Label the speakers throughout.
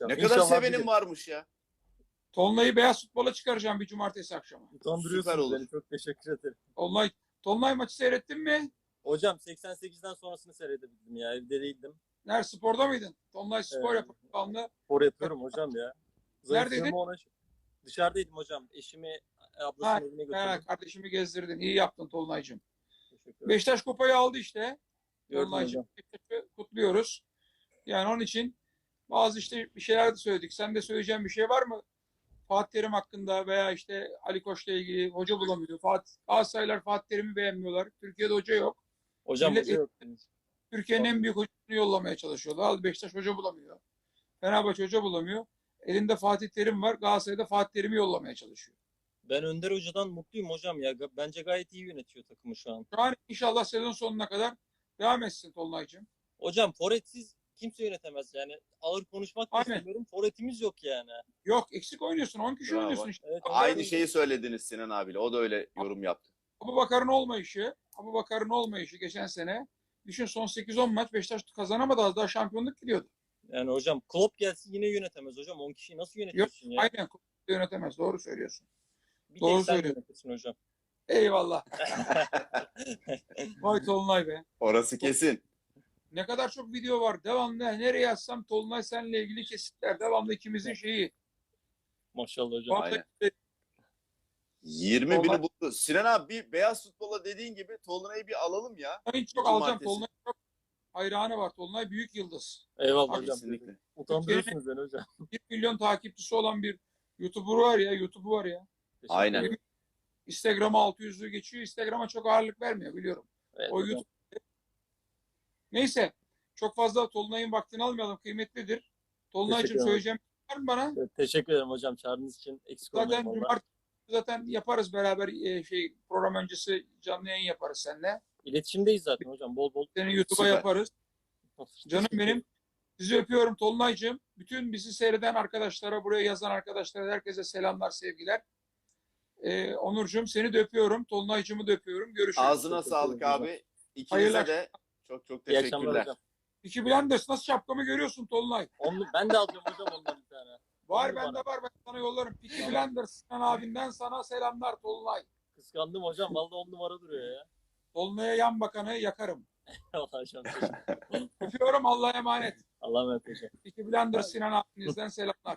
Speaker 1: Ne kadar
Speaker 2: İnşallah
Speaker 1: sevenim
Speaker 2: bir
Speaker 1: varmış ya.
Speaker 3: Tolunay'ı beyaz futbola çıkaracağım bir cumartesi akşamı.
Speaker 1: Süper
Speaker 2: utandırıyorsunuz
Speaker 1: olur.
Speaker 2: beni. Çok teşekkür ederim.
Speaker 3: Tolunay maçı seyrettin mi?
Speaker 2: Hocam 88'den sonrasını seyredebildim ya. Evde değildim.
Speaker 3: Nerede, sporda mıydın? Tolunay spor yapıyor.
Speaker 2: Spor yapıyorum hocam ya.
Speaker 3: Neredeydin?
Speaker 2: Zayıflığımı ona... Dışarıdaydım hocam. Eşimi ablasının evine götürdüm.
Speaker 3: Kardeşimi gezdirdin. İyi yaptın Tolunay'cığım.
Speaker 2: Teşekkür ederim.
Speaker 3: Beşiktaş kupayı aldı işte.
Speaker 2: Gördüm
Speaker 3: Tolunay'cığım.
Speaker 2: hocam.
Speaker 3: Beşiktaş'ı kutluyoruz. Yani onun için bazı işte bir şeyler de söyledik. Sen de söyleyeceğin bir şey var mı? Fatih Terim hakkında veya işte Ali Koç'la ilgili hoca bulamıyor. Galatasaraylılar Fatih Terim'i beğenmiyorlar. Türkiye'de hoca yok.
Speaker 2: Hocam
Speaker 3: Millet
Speaker 2: hoca yok.
Speaker 3: Türkiye'nin en büyük hocasını yollamaya çalışıyorlar. Al Beşiktaş hoca bulamıyor. Fenerbahçe hoca bulamıyor. Elinde Fatih Terim var. Galatasaray'da Fatih Terim'i yollamaya çalışıyor.
Speaker 2: Ben Önder Hoca'dan mutluyum hocam ya. Bence gayet iyi yönetiyor takımı şu an.
Speaker 3: Şu an inşallah sezon sonuna kadar devam etsin Tolunay'cığım.
Speaker 2: Hocam forvetsiz kimse yönetemez yani. Ağır konuşmak da
Speaker 3: Aynen.
Speaker 2: istemiyorum. Forvetimiz yok yani.
Speaker 3: Yok, eksik oynuyorsun. 10 kişi
Speaker 1: Bravo.
Speaker 3: oynuyorsun işte.
Speaker 2: Evet,
Speaker 1: Aynı şeyi söylediniz Sinan abiyle. O da öyle yorum yaptı.
Speaker 3: Abubakar'ın olmayışı geçen sene. Düşün, son 8-10 maç Beşiktaş kazanamadı, az daha şampiyonluk gidiyordu.
Speaker 2: Yani hocam Klopp gelsin yine yönetemez hocam. 10 kişiyi nasıl
Speaker 3: Yok,
Speaker 2: yönetiyorsun ya?
Speaker 3: aynen yönetemez. Doğru söylüyorsun.
Speaker 2: Bir
Speaker 3: doğru
Speaker 2: tek sen
Speaker 3: söylüyorsun.
Speaker 2: yönetirsin hocam.
Speaker 3: Eyvallah. Vay Tolunay be.
Speaker 1: Orası kesin.
Speaker 3: Ne kadar çok video var. Devamlı nereye yazsam Tolunay seninle ilgili kesitler. Devamlı ikimizin şeyi.
Speaker 2: Maşallah hocam.
Speaker 1: Aynen.
Speaker 3: Vallahi
Speaker 1: 20
Speaker 3: Tolunay-
Speaker 1: bini buldu. Sinan abi bir beyaz futbola dediğin gibi Tolunay'ı bir alalım ya.
Speaker 3: Tolunay'ı çok
Speaker 1: Bir
Speaker 3: alacağım.
Speaker 1: cumartesi.
Speaker 3: Tolunay çok hayranı var. Tolunay büyük yıldız.
Speaker 2: Eyvallah
Speaker 3: Abi,
Speaker 2: hocam.
Speaker 1: Kesinlikle.
Speaker 2: Utandırıyorsunuz beni hocam.
Speaker 3: 1 milyon takipçisi olan bir YouTuber var ya. YouTube'u var ya.
Speaker 2: Teşekkür
Speaker 1: Aynen.
Speaker 2: ederim.
Speaker 3: Instagram'a 600'lü geçiyor. Instagram'a çok ağırlık vermiyor, biliyorum.
Speaker 2: Evet,
Speaker 3: O
Speaker 2: hocam.
Speaker 3: YouTube. Neyse. Çok fazla Tolunay'ın vaktini almayalım. Kıymetlidir. Tolunay'cığım
Speaker 2: Teşekkür ederim.
Speaker 3: söyleyeceğim bir şey var mı bana?
Speaker 2: Evet, teşekkür ederim hocam çağrınız için. Eksik olmayın
Speaker 3: Zaten
Speaker 2: valla.
Speaker 3: cumartesi yaparız beraber, program öncesi canlı yayın yaparız seninle.
Speaker 2: İletişimdeyiz zaten hocam. Bol bol.
Speaker 3: Seni YouTube'a
Speaker 1: Süper.
Speaker 3: yaparız. Canım benim. Sizi öpüyorum Tolunay'cığım. Bütün bizi seyreden arkadaşlara, buraya yazan arkadaşlara, herkese selamlar, sevgiler. Onurcuğum seni de öpüyorum. Tolunay'cığımı da öpüyorum. Görüşürüz.
Speaker 1: Ağzına
Speaker 2: Teşekkür
Speaker 1: sağlık
Speaker 2: ederim
Speaker 1: abi. İkinize
Speaker 3: Hayırlı
Speaker 1: de çok çok
Speaker 2: İyi akşamlar
Speaker 1: teşekkürler.
Speaker 2: hocam.
Speaker 3: Peaky Blinders nasıl, şapkamı görüyorsun Tolunay?
Speaker 2: Ben de alacağım hocam ondan bir tane.
Speaker 3: Var,
Speaker 2: Onu
Speaker 3: bende
Speaker 2: bana.
Speaker 3: var, ben sana yollarım. Peaky Blinders Sinan abinden sana selamlar Tolunay.
Speaker 2: Kıskandım hocam. Vallahi 10 numara duruyor ya.
Speaker 3: Tolunay'a yan bakanı yakarım.
Speaker 2: Vallahi hocam. Teşekkür.
Speaker 3: Öpüyorum, Allah'a emanet.
Speaker 2: Allah'a emanet hocam.
Speaker 3: Peaky Blinders Sinan abinizden selamlar.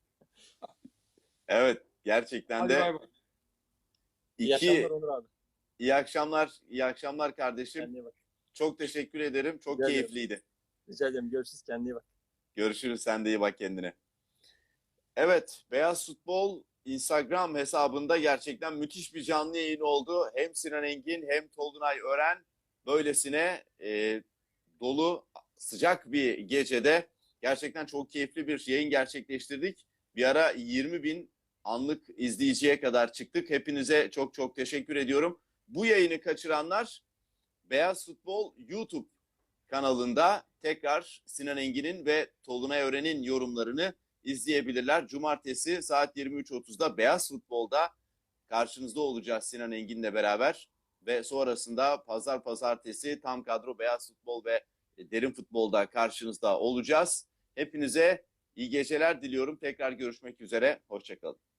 Speaker 1: Evet, gerçekten
Speaker 3: Hadi
Speaker 1: de
Speaker 3: bay bay.
Speaker 2: İyi
Speaker 1: iki
Speaker 2: akşamlar Onur abi.
Speaker 1: iyi akşamlar, iyi akşamlar kardeşim.
Speaker 2: Kendine iyi bak.
Speaker 1: Çok teşekkür ederim. Çok
Speaker 2: Rica ederim.
Speaker 1: keyifliydi.
Speaker 2: Rica ederim. Görüşürüz. Kendine iyi bak.
Speaker 1: Görüşürüz. Sen de iyi bak kendine. Evet, Beyaz Futbol Instagram hesabında gerçekten müthiş bir canlı yayın oldu. Hem Sinan Engin hem Tolunay Ören böylesine dolu, sıcak bir gecede gerçekten çok keyifli bir yayın gerçekleştirdik. Bir ara 20 bin anlık izleyiciye kadar çıktık. Hepinize çok çok teşekkür ediyorum. Bu yayını kaçıranlar Beyaz Futbol YouTube kanalında tekrar Sinan Engin'in ve Tolunay Ören'in yorumlarını izleyebilirler. Cumartesi saat 23.30'da Beyaz Futbol'da karşınızda olacağız Sinan Engin'le beraber. Ve sonrasında pazartesi tam kadro Beyaz Futbol ve Derin Futbol'da karşınızda olacağız. Hepinize iyi geceler diliyorum. Tekrar görüşmek üzere. Hoşçakalın.